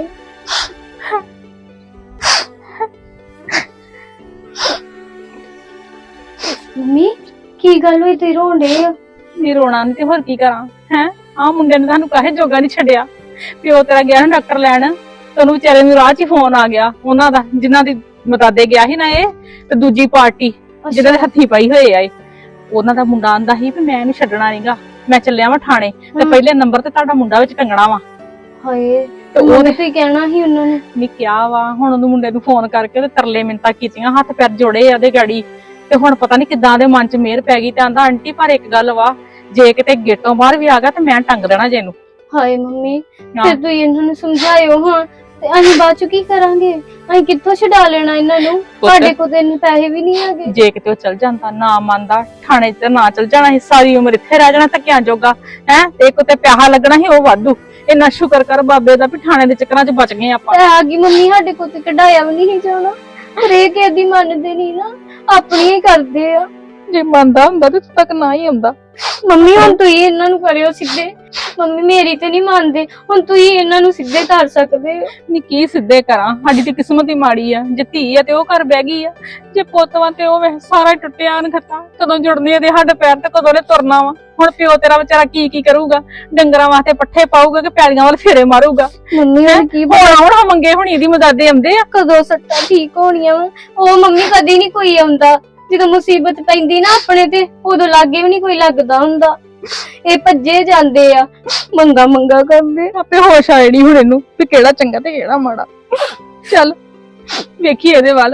D: ਮੰਮੀ ਕੀ ਗੱਲ ਹੋਈ, ਤੁਸੀਂ ਰੋਣ ਡੇ ਆ?
B: ਨਹੀਂ ਰੋਣਾ ਨਹੀਂ ਤੇ ਹੋਰ ਕੀ ਕਰਾਂ ਹੈ। ਆਹ ਮੁੰਡੇ ਨੇ ਤੁਹਾਨੂੰ ਕਾਹੇ ਜੋਗਾ ਨਹੀਂ ਛੱਡਿਆ। ਪਿਓ ਤੇਰਾ ਗਿਆ ਨਾ ਡਾਕਟਰ ਲੈਣ, ਤੇ ਉਹਨੂੰ ਵਿਚਾਰੇ ਨੂੰ ਰਾਹ 'ਚ ਹੀ ਫੋਨ ਆ ਗਿਆ ਉਹਨਾਂ ਦਾ, ਜਿਨ੍ਹਾਂ ਦੀ ਮਤਾਦੇ ਗਿਆ ਸੀ ਨਾ ਇਹ, ਤੇ ਦੂਜੀ ਪਾਰਟੀ ਜਿਹਨਾਂ ਦੇ ਹੱਥੀ ਪਾਈ ਹੋਏ ਆ ਇਹ, ਉਹਨਾਂ ਦਾ ਮੁੰਡਾ ਆਂਦਾ ਸੀ ਵੀ ਮੈਂ ਇਹਨੂੰ ਛੱਡਣਾ ਨਹੀਂਗਾ, ਮੈਂ ਚੱਲਿਆ ਵਾ ਥਾਣੇ, ਤੇ ਪਹਿਲੇ ਨੰਬਰ ਤੇ ਤੁਹਾਡਾ ਮੁੰਡਾ ਵਿੱਚ ਟੰਗਣਾ ਵਾ।
D: ਹਾਏ,
B: ਤੇ
D: ਉਹਨੇ ਤੇ ਕਹਿਣਾ ਸੀ ਉਹਨਾਂ ਨੇ।
B: ਨਹੀਂ ਕਿਹਾ ਵਾ, ਹੁਣ ਉਹਨੂੰ ਮੁੰਡੇ ਨੂੰ ਫੋਨ ਕਰਕੇ ਤੇ ਤਰਲੇ ਮਿੰਤਾ ਕੀਤੀਆਂ, ਹੱਥ ਪੈਰ ਜੋੜੇ ਆ ਉਹਦੇ ਗਾੜੀ, ਤੇ ਹੁਣ ਪਤਾ ਨਹੀਂ ਕਿੱਦਾਂ ਦੇ ਮਨ 'ਚ ਮਿਹਰ ਪੈ ਗਈ। ਤੇ ਆਂਦਾ ਆਂਟੀ ਪਰ ਇੱਕ ਗੱਲ ਵਾ, ਜੇ ਕਿਤੇ ਗੇਟੋਂ ਬਾਹਰ ਵੀ ਆ ਗਿਆ ਤੇ ਮੈਂ ਟੰਗ ਦੇਣਾ ਜੇ ਇਹਨੂੰ।
D: ਹਾਏ ਮੰਮੀ, ਫਿਰ ਤੁਸੀਂ ਇਹਨਾਂ ਨੂੰ ਸਮਝਾਇਓ ਹਾਂ, ਤੇ ਅਸੀਂ ਬਾਅਦ ਚ ਕੀ ਕਰਾਂਗੇ? ਅਸੀਂ ਕਿੱਥੋਂ ਛਡਾ ਲੈਣਾ ਇਹਨਾਂ ਨੂੰ? ਸਾਡੇ ਕੋਲ ਤੇ ਇੰਨੇ ਪੈਸੇ ਵੀ ਨਹੀਂ ਹੈਗੇ।
B: ਜੇ ਕਿਤੇ ਉਹ ਚਲ ਜਾਂਦਾ, ਨਾ ਮੰਨਦਾ, ਥਾਣੇ 'ਚ ਨਾ ਚਲ ਜਾਣਾ ਸੀ, ਸਾਰੀ ਉਮਰ ਇੱਥੇ ਰਹਿ ਜਾਣਾ ਧੱਕਿਆਂ ਜੋਗਾ ਹੈ। ਤੇ ਇੱਕ ਤੇ ਪੈਸਾ ਲੱਗਣਾ ਸੀ ਉਹ ਵਾਧੂ। ਇੰਨਾ ਸ਼ੁਕਰ ਕਰ ਬਾਬੇ ਦਾ ਵੀ ਥਾਣੇ ਦੇ ਚੱਕਰਾਂ 'ਚ ਬਚ ਗਏ ਆਪਾਂ।
D: ਆ ਗਈ ਮੰਮੀ, ਸਾਡੇ ਕੋਲ ਤੇ ਕਢਾਇਆ ਵੀ ਨਹੀਂ ਜਾਣਾ, ਪਰ ਇਹ ਕਿਹਦੀ ਮੰਨਦੇ ਨਹੀਂ ਨਾ, ਆਪਣੀ ਹੀ ਕਰਦੇ ਆ।
B: ਜੇ ਮੰਨਦਾ ਹੁੰਦਾ ਤੇ ਤੱਕ ਨਾ ਹੀ ਆਉਂਦਾ।
D: ਮੰਮੀ ਹੁਣ ਤੁਸੀਂ ਇਹਨਾਂ ਨੂੰ ਕਰਿਓ ਸਿੱਧੇ। ਮੰਮੀ ਮੇਰੀ ਤੇ ਨਹੀਂ ਮੰਨਦੇ, ਹੁਣ ਤੁਸੀਂ ਇਹਨਾਂ ਨੂੰ ਸਿੱਧੇ ਕਰ ਸਕਦੇ ਹੋ।
B: ਨੀ ਕੀ ਸਿੱਧੇ ਕਰਾਂ, ਸਾਡੀ ਤੇ ਕਿਸਮਤ ਹੀ ਮਾੜੀ ਆ। ਜੇ ਧੀ ਆ ਤੇ ਉਹ ਘਰ ਬਹਿ ਗਈ ਆ, ਜੇ ਪੁੱਤ ਵਾ ਤੇ ਉਹ ਵੇ ਸਾਰਾ ਟੁੱਟਿਆ ਅਨਖਤਾ। ਕਦੋਂ ਜੁੜਨੇ ਇਹਦੇ ਹੱਡ ਪੈਰ ਤੇ ਕਦੋਂ ਨੇ ਤੁਰਨਾ ਵਾ। ਹੁਣ ਪਿਓ ਤੇਰਾ ਵਿਚਾਰਾ ਕੀ ਕਰੂਗਾ? ਡੰਗਰਾਂ ਵਾਸਤੇ ਪੱਠੇ ਪਾਊਗਾ ਕਿ ਪੈਲੀਆਂ ਵੱਲ ਫੇਰੇ ਮਾਰੂਗਾ?
D: ਮੰਮੀ ਹੁਣ ਕੀ
B: ਹੁਣ ਮੰਗੇ ਹੁਣ ਇਹਦੀ ਮਦਦ ਆਉਂਦੇ ਆ।
D: ਕਦੋਂ ਸੱਟਾਂ ਠੀਕ ਹੋਣੀਆਂ ਵਾ? ਉਹ ਮੰਮੀ ਕਦੀ ਨਹੀਂ ਕੋਈ ਆਉਂਦਾ, ਜਦੋਂ ਮੁਸੀਬਤ ਪੈਂਦੀ ਨਾ ਆਪਣੇ ਤੇ, ਉਦੋਂ ਲਾਗੇ ਵੀ ਨਹੀਂ ਕੋਈ ਲੱਗਦਾ ਹੁੰਦਾ। ਇਹ ਭੱਜੇ ਜਾਂਦੇ ਆ, ਮੰਗਾ ਕਰਦੇ।
B: ਆਪੇ ਹੋਸ਼ ਆਏ ਨੀ ਹੁਣ ਇਹਨੂੰ ਵੀ ਕਿਹੜਾ ਚੰਗਾ ਤੇ ਕਿਹੜਾ ਮਾੜਾ। ਚੱਲ ਵੇਖੀ ਇਹਦੇ ਵੱਲ।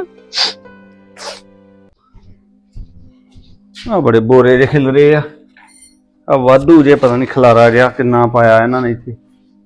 J: ਆ ਬੜੇ ਬੋਰੇ ਜਿਹੇ ਖਿਲ ਰਹੇ ਆ ਵਾਧੂ ਜੇ, ਪਤਾ ਨਹੀਂ ਖਲਾਰਾ ਜਿਹਾ ਕਿੰਨਾ ਪਾਇਆ ਇਹਨਾਂ ਨੇ ਇੱਥੇ।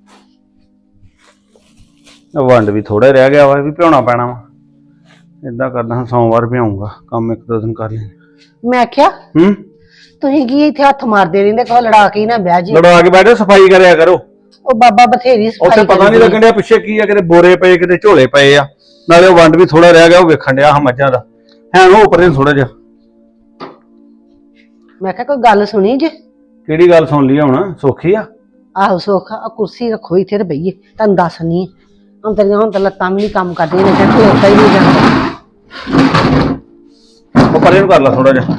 J: ਵੰਡ ਵੀ ਥੋੜਾ ਰਹਿ ਗਿਆ ਵਾ, ਵੀ ਭਿਉਣਾ ਪੈਣਾ ਵਾ। ਏਦਾਂ ਕਰਦਾ ਹਾਂ, ਸੋਮਵਾਰ ਭਿਆਉਂਗਾ, ਕੰਮ ਇੱਕ ਦੋ ਦਿਨ ਕਰ ਲੈਣਾ।
H: ਮੈਂ ਆਖਿਆ ਤੁਸੀਂ ਕੀ ਇੱਥੇ ਹੱਥ ਮਾਰਦੇ ਰਹਿੰਦੇ, ਕਹੋ ਲੜਾ ਕੇ ਹੀ ਨਾ ਬਹਿ ਜੀ।
J: ਲੜਾ ਕੇ ਬੈਠੇ, ਸਫਾਈ ਕਰਿਆ ਕਰੋ।
H: ਉਹ ਬਾਬਾ ਬਥੇਰੀ
J: ਉੱਥੇ
H: ਸਫਾਈ
J: ਪਤਾ ਨਹੀਂ ਲੱਗਣ ਡਿਆ ਪਿੱਛੇ ਕੀ ਆ, ਕਿਤੇ ਬੋਰੇ ਪਏ ਕਿਤੇ ਝੋਲੇ ਪਏ ਆ, ਨਾਲੇ ਉਹ ਵੰਡ ਵੀ ਥੋੜਾ ਰਹਿ ਗਿਆ ਉਹ ਵੇਖਣ ਡਿਆ ਮੱਝਾਂ ਦਾ ਹੈ ਉਹ ਉੱਪਰ ਥੋੜਾ ਜਿਹਾ।
H: ਮੈਂ ਕਿਹਾ ਕੋਈ ਗੱਲ ਸੁਣੀ ਜੇ?
J: ਕਿਹੜੀ ਗੱਲ ਸੁਣ ਲਈ ਹੁਣ? ਸੌਖੀ ਆ?
H: ਆਹੋ ਸੋਖਾ ਆ ਕੁਰਸੀ ਰੱਖੋ ਇੱਥੇ ਤੇ ਬਈਏ, ਤੁਹਾਨੂੰ ਦੱਸਣੀ ਹੁਣ ਤੇਰੀਆਂ ਹੁਣ ਤਾਂ ਲੱਤਾਂ ਵੀ ਨਹੀਂ ਕੰਮ ਕਰਦੀਆਂ ਨੇ ਤੇ ਖਲੋਤਾ ਹੀ ਨਹੀਂ ਜਾਂਦਾ।
J: ਉਹ ਪਰੇ ਨੂੰ ਕਰ ਲਾ ਥੋੜਾ ਜਿਹਾ।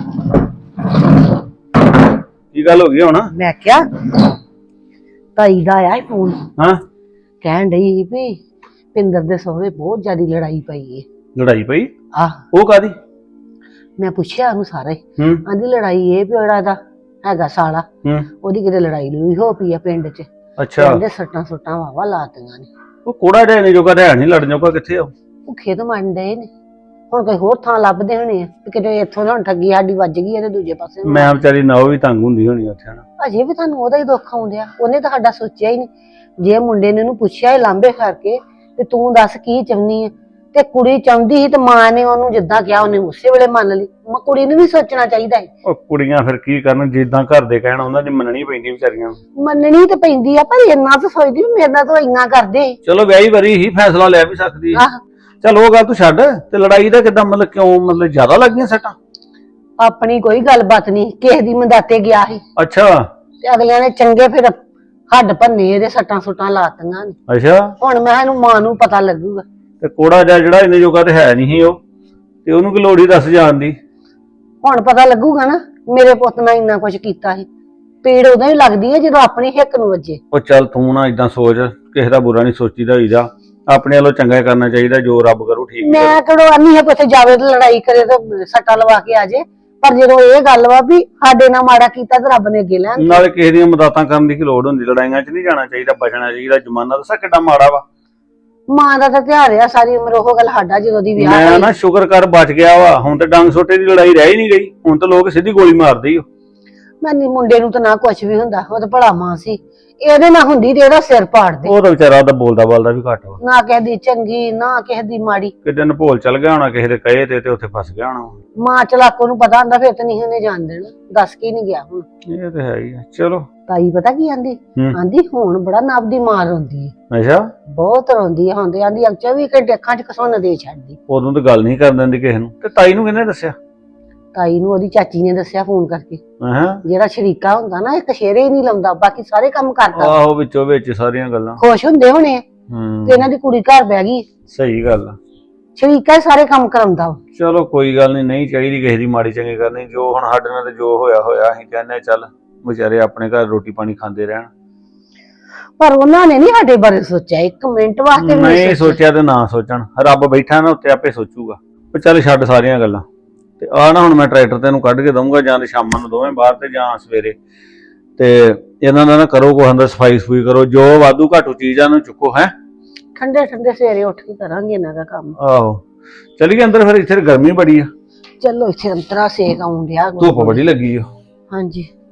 J: ਕੀ ਗੱਲ ਹੋ ਗਈ ਹੁਣ?
H: ਮੈਂ ਕਿਹਾ ਤਾਈ ਦਾ ਆਇਆ ਫੋਨ,
J: ਹਾਂ
H: ਕਹਿਣ ਡਈ ਵੀ ਪਿੰਦਰ ਦੇ ਸਹੁਰੇ ਬਹੁਤ ਜ਼ਿਆਦਾ ਲੜਾਈ ਪਈ ਏ।
J: ਲੜਾਈ ਪਈ?
H: ਆਹ
J: ਉਹ ਕਾਦੀ?
H: ਮੈਂ ਪੁੱਛਿਆ ਉਹਨੂੰ ਸਾਰਾ ਹੀ,
J: ਹੂੰ
H: ਆਂਦੀ ਲੜਾਈ ਇਹ ਵੀ ਜਿਹੜਾ ਦਾ ਹੈਗਾ ਸਾਲਾ
J: ਹੂੰ
H: ਉਹਦੀ ਕਿਤੇ ਲੜਾਈ ਲੂਈ ਹੋ ਪਈ ਆ ਪਿੰਡ 'ਚ।
J: ਅੱਛਾ
H: ਕਹਿੰਦੇ ਸੱਟਾਂ ਸੁੱਟਾਂ ਵਾਵਾ ਲਾਤੀਆਂ ਨੇ।
J: ਉਹ ਕੋੜਾ ਜਿਹਾ ਨਹੀਂ ਜੋਗਾ ਰਹਿ ਨਹੀਂ ਲੜਨ ਜੋਗਾ ਕਿੱਥੇ ਆ ਉਹ?
H: ਭੁੱਖੇ ਤੋਂ ਮੰਨ ਡਏ ਨੇ, ਹੁਣ ਕੋਈ ਹੋਰ ਥਾਂ ਲੱਭਦੇ ਹੋਣੇ ਆ ਕਿ ਕਿਤੇ ਇੱਥੋਂ ਨਾ ਹੁਣ ਠੱਗੀ ਸਾਡੀ ਵੱਜ ਗਈ ਇਹਦੇ ਦੂਜੇ ਪਾਸੇ।
J: ਮੈਂ ਵਿਚਾਰੀ ਨਾ ਉਹ ਵੀ ਤੰਗ ਹੁੰਦੀ ਹੋਣੀ ਉੱਥੇ ਨਾ।
H: ਅਜੇ ਵੀ ਤੁਹਾਨੂੰ ਉਹਦਾ ਹੀ ਦੁੱਖ ਆਉਂਦਿਆ, ਉਹਨੇ ਤਾਂ ਸਾਡਾ ਸੋਚਿਆ ਹੀ ਨਹੀਂ। ਜੇ ਮੁੰਡੇ ਨੇ ਉਹਨੂੰ ਪੁੱਛਿਆ ਇਹ ਲਾਂਬੇ ਕਰਕੇ ਤੇ ਤੂੰ ਦੱਸ ਕੀ ਚਾਹੁੰਦੀ ਆ, ਤੇ ਕੁੜੀ ਚਾਹੁੰਦੀ ਸੀ ਤੇ ਮਾਂ ਨੇ ਉਹਨੂੰ ਜਿੱਦਾਂ ਕਿਹਾ ਉਹਨੇ ਉਸੇ ਵੇਲੇ ਮੰਨ ਲਈ। ਕੁੜੀ ਨੂੰ ਵੀ ਸੋਚਣਾ ਚਾਹੀਦਾ ਹੈ।
J: ਉਹ ਕੁੜੀਆਂ ਫਿਰ ਕੀ ਕਰਨ, ਜਿੱਦਾਂ ਘਰ ਦੇ ਕਹਿਣ ਉਹਨਾਂ ਦੀ ਮੰਨਣੀ ਪੈਂਦੀ ਵਿਚਾਰੀਆਂ ਨੂੰ।
H: ਮੰਨਣੀ ਤੇ ਪੈਂਦੀ ਆ, ਪਰ ਇੰਨਾ ਤਾਂ ਸੋਚਦੀ ਵੀ ਮੇਰੇ ਨਾਲ ਤਾਂ ਇੰਨਾ ਕਰਦੇ।
J: ਚਲੋ ਵਿਆਹੀ ਵਰੀ ਹੀ ਫੈਸਲਾ ਲੈ ਵੀ ਸਕਦੀ ਹੈ।
H: ਆਹ
J: ਚਲ ਉਹ ਗੱਲ ਤੂੰ ਛੱਡ, ਤੇ ਲੜਾਈ ਦਾ ਕਿਦਾਂ ਮਤਲਬ ਕਿਉਂ, ਮਤਲਬ ਜ਼ਿਆਦਾ ਲੱਗੀਆਂ ਸੱਟਾਂ?
H: ਆਪਣੀ ਕੋਈ ਗੱਲਬਾਤ ਨਹੀਂ, ਕਿਸੇ ਦੀ ਮੰਦਾਤੇ ਗਿਆ ਸੀ
J: ਅੱਛਾ
H: ਤੇ ਅਗਲਿਆਂ ਨੇ ਚੰਗੇ ਫਿਰ ਹੱਡ ਭੰਨੇ ਇਹਦੇ ਸੱਟਾਂ ਸੁੱਟਾਂ ਲਾਤੀਆਂ ਨੇ।
J: ਅੱਛਾ
H: ਹੁਣ ਮੈਂ ਇਹਨੂੰ ਮਾਂ ਨੂੰ ਪਤਾ ਲੱਗੂਗਾ।
J: ਤੇ ਕੋੜਾ ਜਿਹਾ ਜਿਹੜਾ ਇਹਨੇ ਜੋਗਾ ਤੇ ਹੈ ਨਹੀਂ ਸੀ ਉਹ, ਤੇ ਉਹਨੂੰ ਕੀ ਲੋੜ ਹੀ ਦੱਸ ਜਾਣ ਦੀ?
H: ਹੁਣ ਪਤਾ ਲੱਗੂਗਾ ਨਾ ਮੇਰੇ ਪੁੱਤ ਨਾਲ ਇੰਨਾ ਕੁਝ ਕੀਤਾ ਸੀ। ਪੀੜ ਉਦੋਂ ਹੀ ਲੱਗਦੀ ਹੈ ਜਦੋਂ ਆਪਣੀ ਹਿੱਕ ਨੂੰ ਵੱਜੇ।
J: ਉਹ ਚੱਲ ਤੂੰ ਨਾ ਇਦਾਂ ਸੋਚ, ਕਿਸੇ ਦਾ ਬੁਰਾ ਨਹੀਂ ਸੋਚੀਦਾ ਹੋਈਦਾ, ਆਪਣੇ ਵੱਲੋਂ ਚੰਗਾ ਹੀ ਕਰਨਾ ਚਾਹੀਦਾ, ਜੋ ਰੱਬ ਕਰੂ ਠੀਕ ਹੀ ਕਰੂ।
H: ਮੈਂ ਕਿਹੜੋ ਆਨੀ ਹੈ ਕਿ ਉੱਥੇ ਜਾਵੇ ਤੇ ਲੜਾਈ ਕਰੇ ਤੇ ਸੱਟਾ ਲਵਾ ਕੇ ਆ ਜੇ, ਪਰ ਜਦੋਂ ਇਹ ਗੱਲ ਵਾ ਵੀ ਸਾਡੇ ਨਾਲ ਮਾੜਾ ਕੀਤਾ ਤੇ ਰੱਬ ਨੇ ਅੱਗੇ ਲੈਣ।
J: ਨਾਲੇ ਕਿਸੇ ਦੀਆਂ ਮਦਦਾਂ ਕਰਨ ਦੀ ਕੀ ਲੋੜ ਹੁੰਦੀ, ਲੜਾਈਆਂ 'ਚ ਨਹੀਂ ਜਾਣਾ ਚਾਹੀਦਾ, ਬਚਣਾ ਚਾਹੀਦਾ। ਜ਼ਮਾਨਾ ਦੱਸਾਂ ਕਿੱਡਾ ਮਾੜਾ ਵਾ।
H: ਮਾਂ ਦਾ ਤਾਂ ਧਿਆਨ ਰਿਹਾ ਸਾਰੀ ਉਮਰ ਉਹ ਗੱਲ ਸਾਡਾ ਜਦੋਂ ਦੀ ਵਿਆਹ
J: ਮੈਂ
H: ਹੋਈ।
J: ਨਾ ਸ਼ੁਕਰ ਕਰ ਬਚ ਗਿਆ ਵਾ, ਹੁਣ ਤੇ ਡੰਗ ਸੋਟੇ ਦੀ ਲੜਾਈ ਰਹਿ ਹੀ ਨਹੀਂ ਗਈ, ਹੁਣ ਤਾਂ ਲੋਕ ਸਿੱਧੀ ਗੋਲੀ ਮਾਰਦੇ ਹੀ।
H: ਮੈਂ ਨੀ ਮੁੰਡੇ ਨੂੰ ਤਾਂ ਨਾ ਕੁਝ ਵੀ ਹੁੰਦਾ, ਉਹ ਤਾਂ ਭਲਾ ਮਾਂ ਸੀ। ਇਹਦੇ ਨਾਲ ਹੁੰਦੀ ਤੇ ਇਹਦਾ ਸਿਰ ਪਾੜਦੇ।
J: ਉਹ ਤਾਂ ਵਿਚਾਰਾ ਉਹਦਾ ਬੋਲਦਾ ਬਾਲਦਾ ਵੀ ਘੱਟ ਵਾ,
H: ਨਾ ਕਿਸੇ ਦੀ ਚੰਗੀ ਨਾ ਕਿਸੇ ਦੀ ਮਾੜੀ।
J: ਕਿਤੇ ਨਭੋਲ ਚੱਲ ਗਿਆ ਹੋਣਾ ਕਿਸੇ ਦੇ ਕਹੇ ਤੇ ਉੱਥੇ ਫਸ ਗਿਆ ਹੋਣਾ।
H: ਮਾਂ ਚਲਾਕੋ ਨੂੰ ਪਤਾ ਹੁੰਦਾ ਫਿਰ ਤਾਂ ਨਹੀਂ ਉਹਨੇ ਜਾਣ ਦੇਣਾ, ਦੱਸ ਕੇ ਨਹੀਂ ਗਿਆ। ਹੁਣ
J: ਇਹ ਤੇ ਹੈ ਹੀ ਆ। ਚਲੋ
H: ਤਾਈ ਪਤਾ ਕੀ ਆਂਦੀ? ਆਂਦੀ ਹੁਣ ਬੜਾ ਨਬ ਦੀ ਮਾਂ ਰੋਂਦੀ ਹੈ।
J: ਅੱਛਾ
H: ਬਹੁਤ ਰੋਂਦੀ ਹੈ ਹੁਣ ਤੇ। ਆਂਦੀ 24 ਘੰਟੇ ਅੱਖਾਂ 'ਚ ਕਸੋਂ ਦੇ ਛੱਡਦੀ।
J: ਉਦੋਂ ਤਾਂ ਗੱਲ ਨਹੀਂ ਕਰਨ ਦਿੰਦੀ ਕਿਸੇ ਨੂੰ। ਤੇ ਤਾਈ ਨੂੰ ਕਿਹਨੇ ਦੱਸਿਆ?
H: ਤਾਈ ਨੂੰ ਉਹਦੀ ਚਾਚੀ ਨੇ ਦੱਸਿਆ ਫੋਨ ਕਰਕੇ।
J: ਹਾਂ
H: ਜਿਹੜਾ ਸ਼ਰੀਕਾ ਹੁੰਦਾ ਨਾ, ਇੱਕ ਸ਼ੇਰੇ ਹੀ ਨਹੀਂ ਲਾਉਂਦਾ, ਬਾਕੀ ਸਾਰੇ ਕੰਮ ਕਰਦਾ।
J: ਆਹੋ ਵਿੱਚੋਂ ਵਿੱਚ ਸਾਰੀਆਂ ਗੱਲਾਂ।
H: ਖੁਸ਼ ਹੁੰਦੇ ਹੋਣੇ ਤੇ ਇਹਨਾਂ ਦੀ ਕੁੜੀ ਘਰ ਬਹਿ ਗਈ।
J: ਸਹੀ ਗੱਲ ਆ।
H: ਸ਼ਰੀਕਾ ਹੀ ਸਾਰੇ ਕੰਮ ਕਰਾਉਂਦਾ।
J: ਚਲੋ ਕੋਈ ਗੱਲ ਨਹੀਂ ਚਾਹੀਦੀ ਕਿਸੇ ਦੀ ਮਾੜੀ ਚੰਗੀ ਕਰਨੀ। ਜੋ ਹੁਣ ਸਾਡੇ ਨਾਲ ਤੇ ਜੋ ਹੋਇਆ ਹੋਇਆ, ਅਸੀਂ ਕਹਿੰਦੇ ਚੱਲ ਵਿਚਾਰੇ ਆਪਣੇ ਘਰ ਰੋਟੀ ਪਾਣੀ ਖਾਂਦੇ ਰਹਿਣ।
H: ਪਰ ਉਹਨਾਂ ਨੇ ਨਹੀਂ ਸਾਡੇ ਬਾਰੇ ਸੋਚਿਆ ਇੱਕ ਮਿੰਟ ਵਾਸਤੇ ਵੀ
J: ਨਹੀਂ ਸੋਚਿਆ ਤੇ ਨਾ ਸੋਚਣ, ਰੱਬ ਬੈਠਾ ਨਾ ਉੱਤੇ ਆਪੇ ਸੋਚੂਗਾ। ਉਹ ਚੱਲ ਛੱਡ ਸਾਰੀਆਂ ਗੱਲਾਂ ਤੇ ਆ ਨਾ ਹੁਣ ਮੈਂ ਟਰੈਕਟਰ ਤੈਨੂੰ ਕੱਢ ਕੇ ਦਊਂਗਾ, ਜਾਂ ਤੇ ਸ਼ਾਮਾਂ ਨੂੰ ਦੋਵੇਂ ਬਾਹਰ ਤੇ ਜਾਂ ਸਵੇਰੇ। ਤੇ ਇਹਨਾਂ ਦਾ ਨਾ ਕਰੋ ਕੋਈ ਅੰਦਰ ਸਫਾਈ ਸਫੂਈ ਕਰੋ, ਜੋ ਵਾਧੂ ਘਾਟੂ ਚੀਜ਼ਾਂ ਨੂੰ ਚੁੱਕੋ। ਹੈ
H: ਠੰਡੇ ਠੰਡੇ ਸਵੇਰੇ ਉੱਠ ਕੇ ਕਰਾਂਗੇ ਇਹਨਾਂ ਦਾ ਕੰਮ।
J: ਆਹੋ ਚਲੀਏ ਅੰਦਰ, ਫਿਰ ਇੱਥੇ ਗਰਮੀ ਬੜੀ ਆ,
H: ਚਲੋ ਇੱਥੇ ਅੰਤਰਾ ਸੇਕ ਆਉਣ ਡਿਆ।
J: ਧੁੱਪ ਬੜੀ ਲੱਗੀ ਆ।
H: ਹਾਂਜੀ